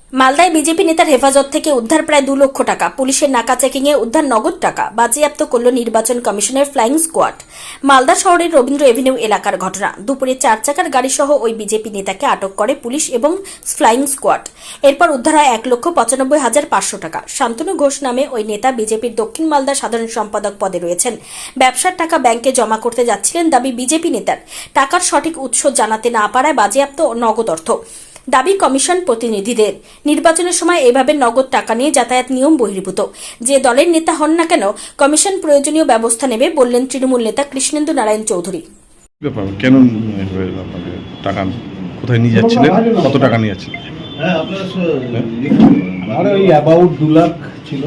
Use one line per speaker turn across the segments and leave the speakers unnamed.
মালদায় বিজেপি নেতার হেফাজত থেকে উদ্ধার প্রায় 2 লক্ষ টাকা। পুলিশের নাকা চেকিংয়ে উদ্ধার নগদ টাকা বাজেয়াপ্ত করল নির্বাচন কমিশনের ফ্লাইং স্কোয়াড। মালদা শহরের রবীন্দ্র এভিনিউ এলাকার ঘটনা। দুপুরে 4 চাকার গাড়ি সহ ওই বিজেপি নেতাকে আটক করে পুলিশ এবং ফ্লাইং স্কোয়াড। এরপর উদ্ধার হয় 1,95,500 টাকা। শান্তনু ঘোষ নামে ওই নেতা বিজেপির দক্ষিণ মালদা সাধারণ সম্পাদক পদে রয়েছেন। ব্যবসার টাকা ব্যাংকে জমা করতে যাচ্ছিলেন দাবি বিজেপি নেতার। টাকার সঠিক উৎস জানাতে না পারায় বাজেয়াপ্ত নগদ অর্থ। দাবি কমিশন প্রতিনিধিদের। নির্বাচনের সময় এভাবে নগদ টাকা নিয়ে যাতায়াত নিয়ম বহির্ভূত। যে দলের নেতা হন না কেন কমিশন প্রয়োজনীয় ব্যবস্থা নেবে বললেন তৃণমূল নেতা কৃষ্ণেন্দু নারায়ণ চৌধুরী।
কেন টাকা কোথায় নিয়ে যাচ্ছিলেন, কত টাকা নিয়ে যাচ্ছিলেন?
আমার ওই অ্যাবাউট 2 লাখ ছিল,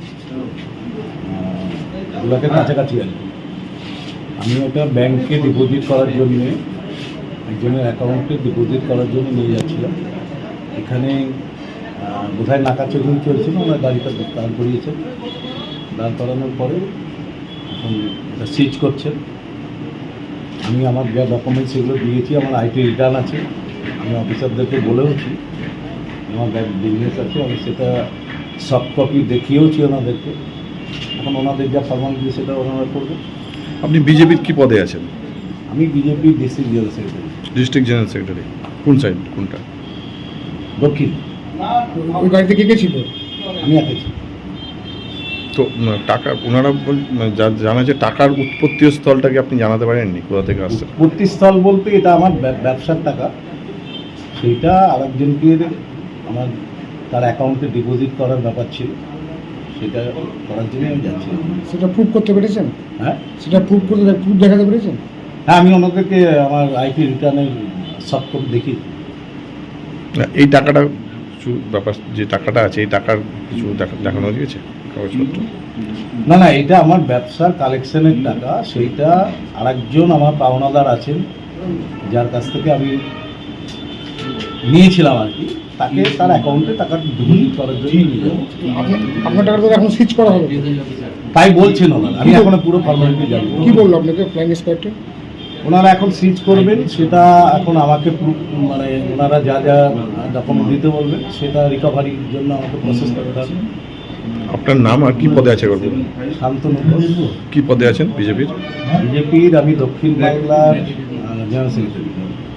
2 লাখের কাছাকাছি আর কি। আমি ওটা ব্যাংকে ডিপোজিট করার জন্য, একজনের অ্যাকাউন্টে ডিপোজিট করার জন্য নিয়ে যাচ্ছিলাম। এখানে বোধহয় নাকা চেকিং চলছিল, ওনার গাড়িটা দাঁড় করিয়েছেন। দাঁড় করানোর পরে এখন এটা সিজ করছেন। আমি আমার যা ডকুমেন্টস সেগুলো দিয়েছি, আমার আইটি রিটার্ন আছে। আমি অফিসারদেরকে বলেওছি আমার বিজনেস আছে, আমি সেটা সফট কপি দেখিয়েওছি ওনাদেরকে। এখন ওনাদের যা ফর্মালিটি সেটা ওনারা করবে।
আপনি বিজেপির কি পদে আছেন?
আমি BJP district general secretary.
District general secretary কোন সাইড, কোনটা?
দক্ষিণ।
ওই গাড়িতে কে কে ছিল?
আমি একাই।
তো টাকা ওনারা জানা যে টাকার উৎপত্তি স্থলটাকে আপনি জানাতে পারেননি কোথা থেকে আসছে?
উৎপত্তিস্থল বলতে এটা আমার ব্যবসার টাকা, সেইটা আরেকজনকে আমার তার অ্যাকাউন্টে ডিপোজিট করার ব্যাপার ছিল, সেটা করার জন্য আমি যাচ্ছি।
সেটা প্রুভ করতে পেরেছেন?
হ্যাঁ,
সেটা প্রুভ দেখাতে পেরেছেন?
হ্যাঁ, আমি ওনাদেরকে আমার আইটি রিটার্নের সফট কপি দেখি।
এই টাকাটা কিছু ব্যাপার, যে টাকাটা আছে এই টাকার কিছু দেখানো গিয়েছে কাগজপত্র?
না, এটা আমার ব্যবসার কালেকশনের টাকা। সেইটা আরেকজন আমার পাওনাদার আছেন, যার কাছ থেকে আমি নিয়েছিলাম আর কি, তাকে তার অ্যাকাউন্টে টাকা ডিপোজিট করার জন্য নিয়ে যাবো।
আপনার টাকাটা তো এখন সুইচ করা হবে,
তাই বলছেন ওনারা। আমি এখনো পুরো ফর্মালিটি জানি।
কি বললো আপনাকে ফ্লাইং স্কোয়াডে?
ওনারা এখন সিজ করবেন, সেটা এখন আমাকে মানে ওনারা যা যা ডকুমেন্ট দিতে বলবেন সেটা রিকভারির জন্য আমাকে প্রসেস করতে হবে।
আপনার নাম আর কি পদে আছে?
শান্তনু ঘোষ।
কি পদে আছেন বিজেপির?
বিজেপির আমি দক্ষিণ বাংলার জেনারেল সেক্রেটারি।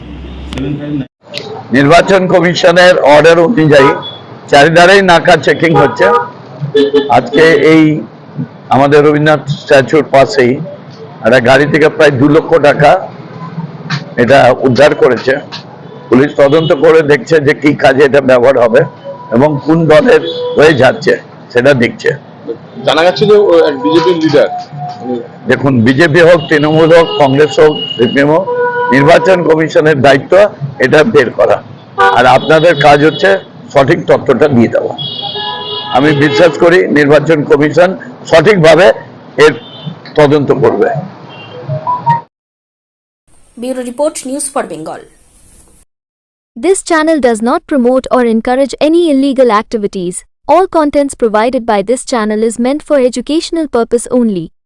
নির্বাচন কমিশনের অর্ডার অনুযায়ী চারিধারেই নাকা চেকিং হচ্ছে। আজকে এই আমাদের রবীন্দ্রনাথ স্ট্যাচুর পাশেই একটা গাড়ি থেকে প্রায় 2 লক্ষ টাকা এটা উদ্ধার করেছে পুলিশ। তদন্ত করে দেখছে যে কি কাজে এটা ব্যবহার হবে এবং কোন দলের হয়ে যাচ্ছে সেটা দেখছে।
জানা যাচ্ছে যে বিজেপির লিডার।
দেখুন, বিজেপি হোক, তৃণমূল হোক, কংগ্রেস হোক, সিপিএম হোক, নির্বাচন কমিশনের দায়িত্ব এটা বের করা, আর আপনাদের কাজ হচ্ছে সঠিক তথ্যটা দিয়ে দেওয়া। আমি বিশ্বাস করি নির্বাচন কমিশন সঠিকভাবে এর তদন্ত করবে।
Bureau report, news for Bengal.
This channel does not promote or encourage any illegal activities. All contents provided by this channel is meant for educational purpose only.